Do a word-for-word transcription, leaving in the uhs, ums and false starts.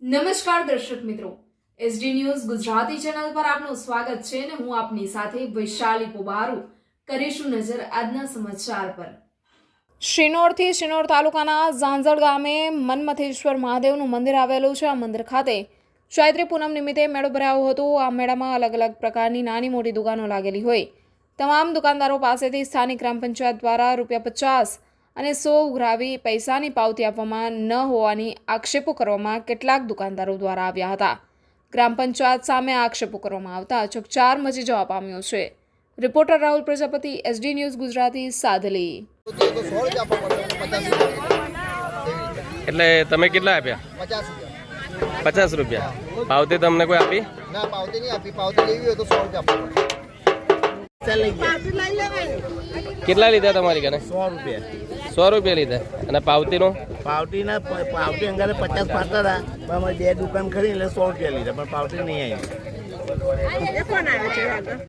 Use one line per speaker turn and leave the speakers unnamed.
નમસ્કાર દર્શક મિત્રો, એસડી ન્યૂઝ ગુજરાતી ચેનલ પર આપનું સ્વાગત છે અને હું આપની સાથે વૈશાલી પોબારુ કરીશું નજર આજના સમાચાર પર। શિનોરથી શિનોર તાલુકાના ઝાંઝળ ગામે મન્મથેશ્વર મહાદેવનું મંદિર આવેલું છે। આ મંદિર ખાતે ચૈત્રી પૂનમ નિમિત્તે મેળો ભરાયો હતો। આ મેળામાં અલગ અલગ પ્રકારની નાની મોટી દુકાનો લાગેલી હોય તમામ દુકાનદારો પાસેથી સ્થાનિક ગ્રામ પંચાયત દ્વારા રૂપિયા પચાસ અને સો ઉઘરાવી પૈસાની પાવતી આપવામાં ન હોવાની આક્ષેપો કરવામાં કેટલાક દુકાનદારો દ્વારા આવ્યા હતા। ગ્રામ પંચાયત સામે આક્ષેપો કરવામાં આવતા ચકચાર મચી જવા પામ્યો છે। Reporter Rahul Prajapati, SD news Gujarati, Sadli.
એટલે તમે કેટલા આપ્યા? પચાસ રૂપિયા। પાવતી તમને કોઈ આપી?
ના, પાવતી નહીં આપી। પાવતી લેવી હોય તો સો રૂપિયા
કેટલા લીધા તમારી કને?
સો રૂપિયા
સો રૂપિયા લીધા। અને પાવતીનો?
પાવતી ના પાવતી અંગારે પચાસ પાડતા હતા પણ અમે બે દુકાન ખરી એટલે સો રૂપિયા લીધા પણ પાવતી નહીં આવી।